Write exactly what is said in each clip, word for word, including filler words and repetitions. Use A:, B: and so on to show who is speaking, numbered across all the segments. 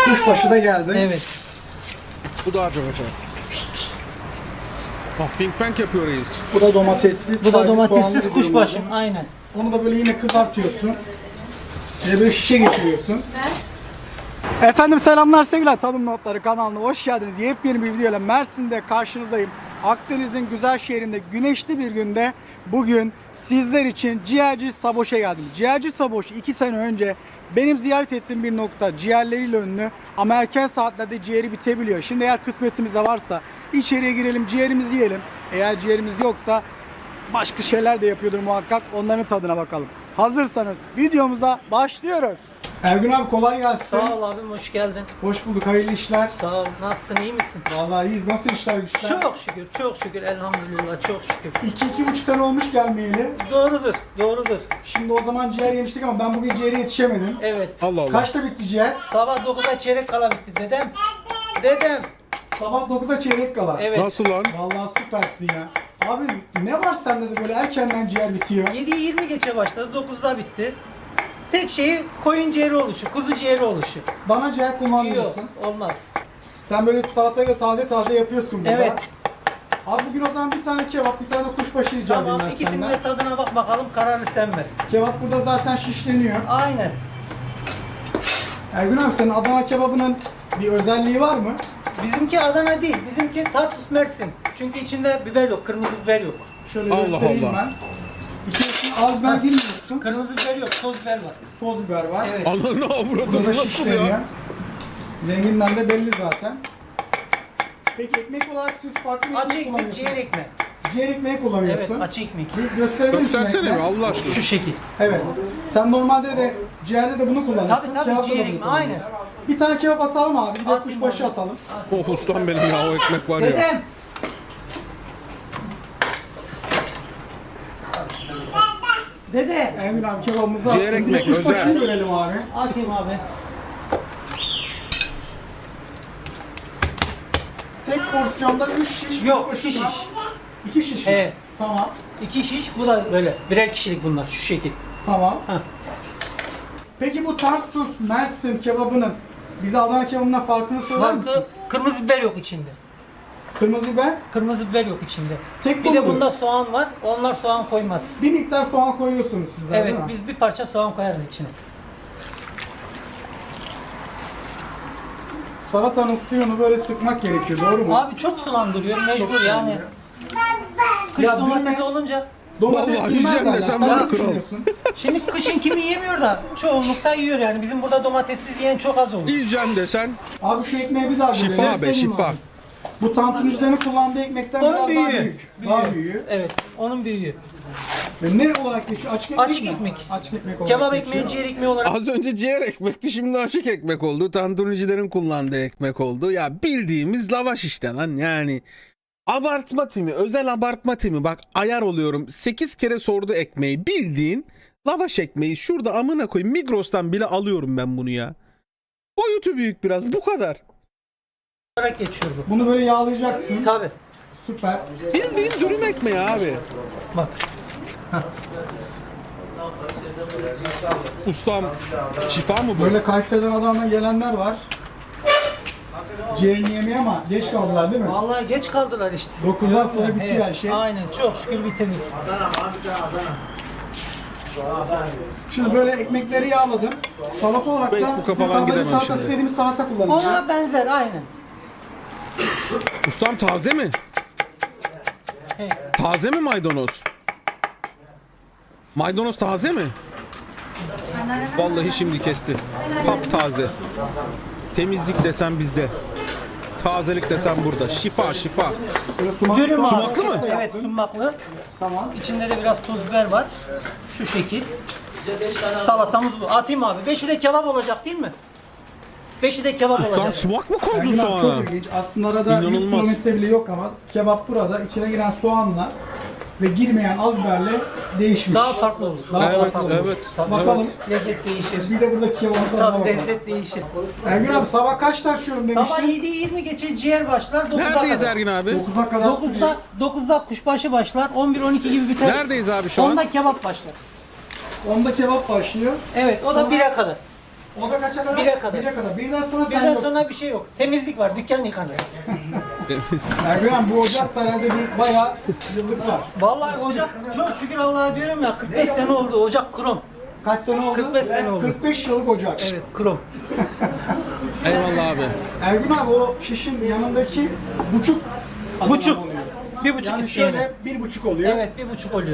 A: Kuşbaşı da geldi.
B: Evet.
C: Bu daha çok acayip. Ah, think tank yapıyor reis.
A: Bu da domatessiz.
B: Bu da
A: sadece
B: domatessiz
A: soğanlı
B: kuşbaşı.
A: diyorlar.
B: Aynen.
A: Onu da böyle yine kızartıyorsun. Ve böyle şişe geçiriyorsun. Efendim selamlar sevgiler, Tadım Notları kanalına hoş geldiniz. Yepyeni bir videoyla Mersin'de karşınızdayım. Akdeniz'in güzel şehrinde güneşli bir günde bugün sizler için ciğerci Saboş'a geldim. Ciğerci Saboş iki sene önce benim ziyaret ettiğim bir nokta, ciğerleriyle ünlü ama erken saatlerde ciğeri bitebiliyor. Şimdi eğer kısmetimizde varsa içeriye girelim, ciğerimizi yiyelim. Eğer ciğerimiz yoksa başka şeyler de yapıyordur muhakkak, onların tadına bakalım. Hazırsanız videomuza başlıyoruz. Ergün abi kolay gelsin.
B: Sağ ol abim, hoş geldin.
A: Hoş bulduk, hayırlı işler.
B: Sağ ol. Nasılsın, iyi misin?
A: Vallahi iyiyiz. Nasıl işler güçler?
B: Çok şükür, çok şükür. Elhamdülillah, çok şükür.
A: İki, iki buçuk sene olmuş gelmeyeli.
B: Doğrudur, doğrudur.
A: Şimdi o zaman ciğer yemiştik ama ben bugün ciğere yetişemedim.
B: Evet.
C: Allah Allah.
A: Kaçta bitti ciğer?
B: Sabah dokuzda çeyrek kala bitti dedem. Dedem.
A: Sabah dokuzda çeyrek kala.
B: Evet.
C: Nasıl lan?
A: Vallahi süpersin ya. Abi ne var sende de böyle erkenden ciğer bitiyor?
B: yedi yirmi geçe başladı, dokuzda bitti. Tek şeyi koyun ciğeri oluşu, kuzu ciğeri oluşu.
A: Dana ciğer
B: Yok,
A: kullanmıyorsun.
B: olmaz.
A: Sen böyle salatayı da taze taze yapıyorsun burada.
B: Evet.
A: Abi bugün o zaman bir tane kebap, bir tane de kuşbaşı rica edeyim
B: Tamam,
A: ben
B: ikisinin
A: senden.
B: de tadına bak bakalım, kararını sen ver.
A: Kebap burada zaten şişleniyor.
B: Aynen.
A: Ergün abi senin Adana kebabının bir özelliği var mı?
B: Bizimki Adana değil, bizimki Tarsus Mersin. Çünkü içinde biber yok, kırmızı biber yok.
A: Şöyle
C: Allah
A: göstereyim
C: Allah.
A: ben. İçerisine az biber girmiyorsun.
B: Kırmızı biber yok, toz biber var.
A: Toz biber var.
B: Evet.
C: Ananı avradını
A: Burada
C: nasıl
A: şişleniyor.
C: ya?
A: Renginden de belli zaten. Peki ekmek olarak siz farklı bir
B: Açı
A: ekmek
B: ekmek,
A: kullanıyorsunuz.
B: ciğer ekmek.
A: Ciğer ekmeği
B: Evet,
A: kullanıyorsun.
B: açı ekmek.
A: Bir gösterebilir misin
C: Göstersene mi
A: ekmeği?
C: Allah aşkına?
B: Şu şekil.
A: Evet. Sen normalde de ciğerde de bunu kullanırsın.
B: Tabii, tabii,
A: kebapta da
B: ciğer
A: bunu
B: ekmeği,
A: kullanırsın.
B: aynen.
A: Bir tane kebap atalım abi. Bir de
B: Atayım
A: kuşbaşı
B: abi.
A: atalım.
C: Oh ustam benim ya, o ekmek var ya.
B: Dedem. Dede.
A: Emin abi kebabımızı
C: Ciğer
A: atsın. Bir de
C: ekmek,
A: kuşbaşını
C: özel.
A: görelim abi.
B: Atayım abi.
A: Tek porsiyonda üç şiş.
B: Yok,
A: kuşbaşı
B: iki
A: var.
B: şiş.
A: İki şiş mi?
B: Evet.
A: Tamam.
B: İki şiş, bu da böyle. Birer kişilik bunlar, şu şekil.
A: Tamam.
B: Heh.
A: Peki bu Tarsus Mersin kebabının bize Adana kebabından farkını söyler misin?
B: Farkı, kırmızı biber yok içinde.
A: Kırmızı biber.
B: Kırmızı biber yok içinde.
A: Tek
B: Bir
A: bu
B: de
A: mudur?
B: bunda soğan var, onlar soğan koymaz.
A: Bir miktar soğan koyuyorsunuz sizler
B: Evet,
A: değil mi?
B: biz bir parça soğan koyarız içine.
A: Salatanın suyunu böyle sıkmak gerekiyor, doğru mu?
B: Abi çok sulandırıyor, mecbur yani. Kış
A: Ya
B: domatesi
A: dünya-
B: olunca,
A: Domates
C: Vallahi
A: girmez
C: yiyeceğim
A: derler.
C: desem
A: Sen
C: ben
A: ne
C: kral.
A: düşünüyorsun?
B: şimdi kışın kimi yemiyor da çoğunlukta yiyor yani. Bizim burada domatessiz yiyen çok az olur.
C: Yiyeceğim desen
A: Abi şu ekmeği bir daha
C: şifa
A: görelim.
C: be
A: Göstereyim
C: şifa.
A: abi. Bu tantunicilerin kullandığı ekmekten
B: Onun
A: biraz
B: büyüğü.
A: daha büyük. Daha büyüğü.
B: Evet, onun büyüğü.
A: Ve ne olarak geçiyor? Açık ekmek
B: Açık
A: mi?
B: ekmek.
A: Açık ekmek olarak
B: Kebap
A: geçiyor.
B: ekmeği, ciğer ekmeği olarak.
C: Az önce ciğer ekmekti, şimdi açık ekmek oldu. Tantunicilerin kullandığı ekmek oldu. Ya bildiğimiz lavaş işte lan yani. Abartma timi, özel abartma timi. Bak ayar oluyorum. sekiz kere sordu ekmeği. Bildiğin lavaş ekmeği. Şurada amına koyayım. Migros'tan bile alıyorum ben bunu ya. Boyutu büyük biraz, bu kadar.
B: olarak geçiyor bu.
A: Bunu böyle yağlayacaksın.
B: Tabi.
A: Süper.
C: Bildiğin dürüm ekmeği abi.
B: Bak.
C: Ustam şifa mı bu?
A: Böyle Kayseri'den Adana'dan gelenler var. Ciğerini yemeye ama geç kaldılar değil mi?
B: Vallahi geç kaldılar işte.
A: dokuzdan sonra bitiyor
B: Evet,
A: her şey.
B: Aynen, çok şükür bitirdik.
A: Şimdi böyle ekmekleri yağladım. Salata olarak da
C: Facebook'a
A: bizim
C: falan
A: tablacı
C: gidemem
A: salatası
C: şimdi.
A: dediğimiz salata kullanacağım.
B: Ona benzer aynen.
C: Ustam taze mi?
B: He.
C: Taze mi maydanoz? Maydanoz taze mi? Vallahi şimdi kesti. Taptaze. Temizlik desen bizde. Tazelik desen burada. Şifa şifa.
A: Böyle sumak,
B: Dürüm abi.
C: Sumaklı mı?
B: Evet, sumaklı.
A: Tamam.
B: İçinde de biraz toz biber var. Şu şekil. Salatamız bu. Atayım abi. Beşi de kebap olacak değil mi? Beşi de kebap
C: Ustam
B: olacak.
C: sumak mı koydun
A: Ergün abi
C: soğana?
A: çok ilginç. Aslında arada yüz
C: İnanılmaz.
A: kilometre bile yok ama kebap burada içine giren soğanla ve girmeyen az biberle değişmiş.
B: Daha farklı olur.
A: Daha
C: Evet,
A: farklı olur.
C: evet.
A: Bakalım.
B: Lezzet değişir.
A: Bir de buradaki kebabın tadına
B: Tabii
A: bakalım.
B: lezzet değişir.
A: Ergün abi sabah kaçta açıyorum
B: Sabah
A: demiştin?
B: yedi yirmi geçe ciğer başlar. dokuz'a
C: Neredeyiz
B: kadar.
C: Ergin abi?
A: dokuza kadar.
B: dokuzda, dokuzda kuşbaşı başlar. on bir on iki gibi biter.
C: Neredeyiz abi şu an?
B: onda kebap başlar.
A: onda kebap başlıyor.
B: Evet, o da bire kadar.
A: O da kaça kadar?
B: Bire kadar.
A: Bire kadar. Birden sonra sen
B: Birden
A: yok.
B: sonra bir şey yok. Temizlik var. Dükkan yıkanıyor.
A: Ergün abi bu ocakta herhalde bir bayağı yıllık var.
B: Vallahi ocak çok şükür Allah'a diyorum ya kırk beş sene oldu. Ocak krom.
A: Kaç sene oldu?
B: kırk beş sene oldu.
A: kırk beş yıllık ocak.
B: Evet krom.
C: Eyvallah abi.
A: Ergün abi o şişin yanındaki buçuk adına
B: Buçuk.
A: oluyor.
B: Bir buçuk
A: Yani
B: isteyene.
A: şöyle bir buçuk oluyor.
B: Evet bir buçuk oluyor.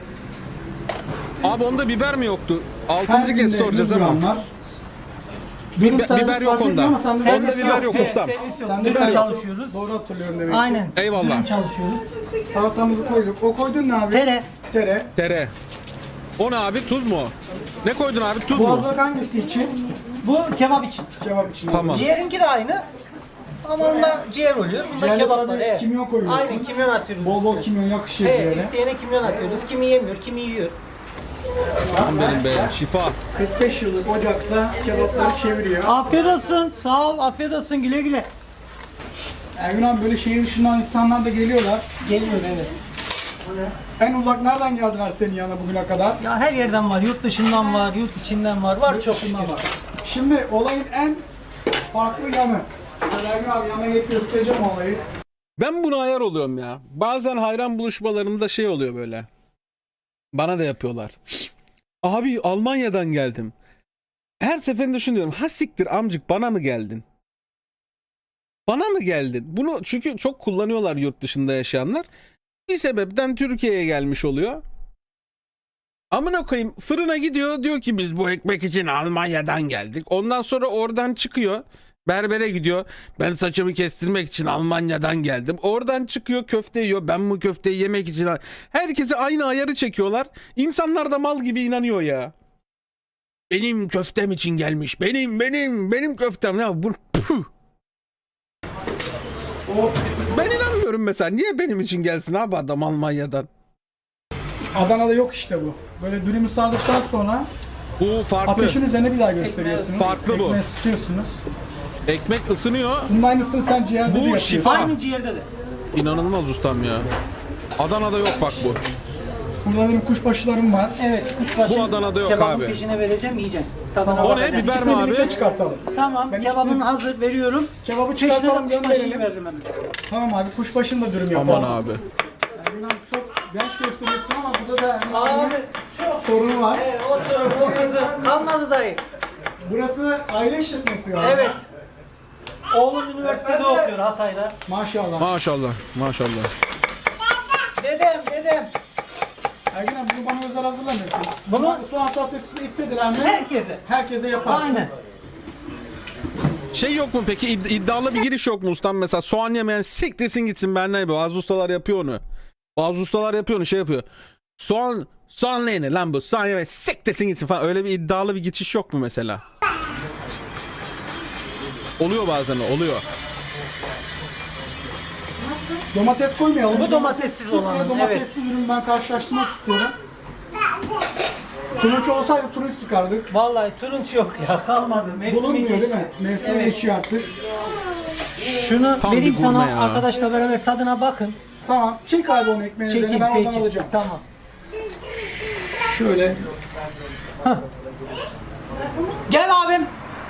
C: Abi onda biber mi yoktu?
A: Her
C: Altıncı kez
A: günde
C: soracağız
A: yüz
C: ama.
A: gram var. Dürüm
C: Biber-
A: servis
C: biber yok
A: fark etmiyor
C: onda.
A: ama sende
C: Onda
A: servis
C: biber yok
B: Se-
C: ustam.
B: Servis yok.
A: Sende
B: Dürüm
A: servis yok.
B: çalışıyoruz.
A: Doğru hatırlıyorum demek ki.
B: Aynen.
C: Eyvallah.
B: Dürüm çalışıyoruz.
A: Salatamızı koyduk. O koydun ne abi?
B: Tere.
A: Tere.
C: Tere. O ne abi? Tuz mu? Ne koydun abi? Tuz
A: Bu
C: mu?
A: hazırlık hangisi için?
B: Bu kebap için.
A: Kebap için.
C: Tamam.
B: Ciğerinki de aynı. Ama onda ciğer oluyor. Bunda
A: Ciğerde
B: kebap
A: tabii
B: var. Evet.
A: kimyon koyuyorsun.
B: Aynen kimyon atıyoruz.
A: Bol bol
B: üstüne.
A: kimyon yakışıyor
B: Evet,
A: ciğere.
B: isteyene kimyon atıyoruz. Kimi yemiyor, kimi yiyor.
C: Aman benim be. Şifa.
A: kırk beş yıllık ocakta kebapları çeviriyor.
B: Afiyet olsun. Sağ ol. Afiyet olsun. Güle güle.
A: Ergün abi böyle şehir dışından insanlar da geliyorlar.
B: Geliyor evet.
A: En uzak nereden geldiler senin yanına bugüne kadar?
B: Ya her yerden var. Yurt dışından var, yurt içinden var. Var çok şükür.
A: Şundan bak. Şimdi olayın en farklı yanı. Şöyle Ergün abi yana gelip göstereceğim olayı.
C: Ben buna ayar oluyorum ya. Bazen hayran buluşmalarında şey oluyor böyle. Bana da yapıyorlar. Abi Almanya'dan geldim. Her seferinde düşünüyorum. Ha siktir amcık bana mı geldin? Bana mı geldin? Bunu çünkü çok kullanıyorlar yurt dışında yaşayanlar. Bir sebepten Türkiye'ye gelmiş oluyor. Amına koyayım fırına gidiyor diyor ki biz bu ekmek için Almanya'dan geldik. Ondan sonra oradan çıkıyor. Berbere gidiyor. Ben saçımı kestirmek için Almanya'dan geldim. Oradan çıkıyor köfte yiyor. Ben bu köfteyi yemek için... Herkese aynı ayarı çekiyorlar. İnsanlar da mal gibi inanıyor ya. Benim köftem için gelmiş. Benim, benim, benim köftem. Ya bu... Puh. Ben inanmıyorum mesela. Niye benim için gelsin abi adam Almanya'dan?
A: Adana'da yok işte bu. Böyle dürümü sardıktan sonra
C: Bu farklı.
A: ateşin üzerine bir daha gösteriyorsunuz.
C: Farklı bu.
A: Ekmeği ısıtıyorsunuz.
C: Ekmek ısınıyor.
A: Bunun aynısını sen ciğerde
C: Bu
A: de yapıyorsun.
C: şifa.
B: Aynı ciğerde de.
C: İnanılmaz ustam ya. Adana'da yok bak bu.
A: Burada benim kuşbaşılarım var.
B: Evet, kuşbaşı.
C: Bu Adana'da yok
B: kebabın
C: abi.
B: peşine vereceğim, yiyeceksin. Tadına
C: O ne?
B: bakacaksın.
C: Biber mi
A: İkisini birlikte
C: abi?
A: çıkartalım.
B: Tamam,
A: Ben
B: kebabın
A: ikisini-
B: hazır veriyorum.
A: Kebabı
B: Peşine
A: çıkartalım
B: de kuşbaşıyı
A: gönderelim.
B: veririm hemen.
A: Tamam abi kuşbaşını da dürüm yapalım.
C: Aman abi.
A: Ergün abi çok genç gösteriyorsun ama burada da Ergün
B: Abi
A: abinin
B: çok.
A: sorunu var.
B: Evet, o, o kızı kalmadı dayı.
A: Burası aile işletmesi galiba.
B: Evet. Oğlum üniversitede okuyor Hatay'da.
A: Maşallah.
C: Maşallah. Maşallah.
B: Dedem, dedem.
A: Ergün abi bunu bana özel hazırlamıyorsun.
B: Bunu-
A: soğan salatası istediler mi?
B: Herkese.
A: Herkese yaparsın.
B: Aynen.
C: Şey yok mu peki İd- iddialı bir giriş yok mu ustam mesela soğan yemeyen siktirsin gitsin ben ne bazı ustalar yapıyor onu. Bazı ustalar yapıyor onu şey yapıyor. Soğan soğan neyine lan bu soğan yemeyen siktirsin gitsin falan öyle bir iddialı bir geçiş yok mu mesela? Oluyor bazen o, oluyor.
A: Domates koymayalım.
B: Bu domatessiz
A: Süsle
B: olanı,
A: domatesli ürün ben karşılaştırmak istiyorum. Turunç olsaydı turunç sıkardık.
B: Vallahi turunç yok ya kalmadı. Mevsimi
A: Bulunmuyor değil
B: geçti.
A: mi? Mevsimi
B: Evet.
A: geçiyor artık.
B: Şunu
C: Tam
B: vereyim
C: bir gurme
B: sana
C: ya.
B: arkadaşla beraber tadına bakın.
A: Tamam. Çek abi onu ekmeğin
B: Çekin
A: üzerine ben
B: peki.
A: oradan alacağım.
B: Tamam.
A: Şöyle.
B: Gel abim.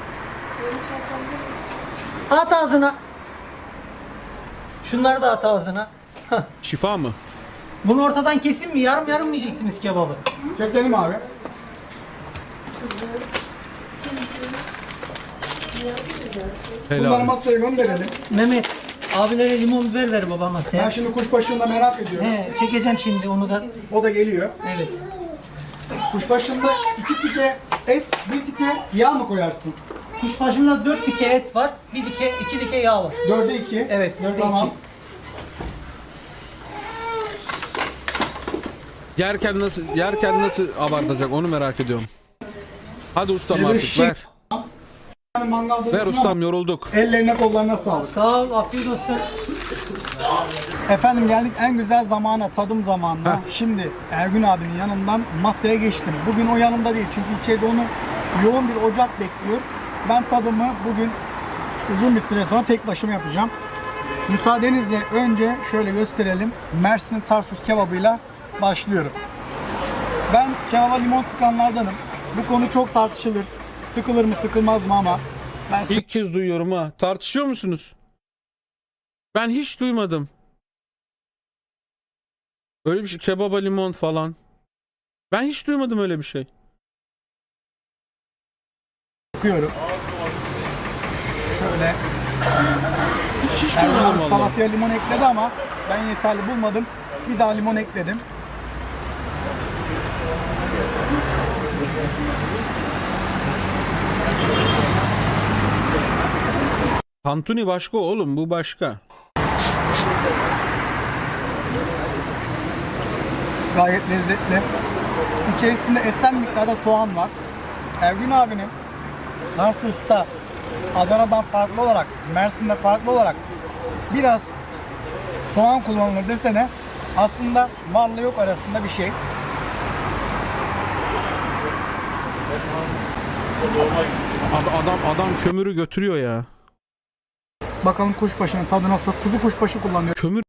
B: At ağzına. Şunları da at ağzına. Hah.
C: Şifa mı?
B: Bunu ortadan kesin mi? Yarım yarım mı yiyeceksiniz kebabı?
A: Keselim abi. Bunları
C: Helal.
A: masaya gönderelim.
B: Mehmet, abilere limon biber ver babama
A: Ben
B: sen.
A: şimdi kuşbaşını da merak ediyorum.
B: He, çekeceğim şimdi onu da.
A: O da geliyor.
B: Evet.
A: Kuşbaşında iki tike et, bir tike yağ mı koyarsın?
B: Kuşbaşımda dört dike et var, bir dike, iki dike yağ var.
A: Dörde iki.
B: Evet, dörde
A: Tamam.
C: Yerken nasıl yerken nasıl abartacak onu merak ediyorum. Hadi ustam
A: Böyle
C: artık
A: şey-
C: ver.
A: Yani mangalda
C: Ver
A: ısın
C: ustam
A: ama
C: yorulduk.
A: ellerine kollarına sağlık.
B: Sağ ol, afiyet olsun.
A: Efendim geldik en güzel zamana, tadım zamanına. Şimdi Ergün abinin yanından masaya geçtim. Bugün o yanımda değil çünkü içeride onu yoğun bir ocak bekliyor. Ben tadımı bugün uzun bir süre sonra tek başıma yapacağım. Müsaadenizle önce şöyle gösterelim. Mersin Tarsus kebabıyla başlıyorum. Ben kebaba limon sıkanlardanım. Bu konu çok tartışılır. sıkılır mı sıkılmaz mı ama ben
C: İlk kez duyuyorum ha. Tartışıyor musunuz? Ben hiç duymadım. Öyle bir şey. Kebaba limon falan. Ben hiç duymadım öyle bir şey.
A: sıkıyorum. Şöyle
C: Hiç, hiç
A: Erdoğan
C: duymadım valla.
A: salataya limon ekledi ama ben yeterli bulmadım. Bir daha limon ekledim.
C: Tantuni başka oğlum, bu başka.
A: Gayet lezzetli. İçerisinde esen miktarda soğan var. Ergün abinin Tarsus'ta Adana'dan farklı olarak, Mersin'de farklı olarak biraz soğan kullanılır desene aslında varla yok arasında bir şey.
C: Ad- Adam adam kömürü götürüyor ya.
A: Bakalım kuşbaşının tadı nasıl? Kuzu kuşbaşı kullanıyor.
C: Kömür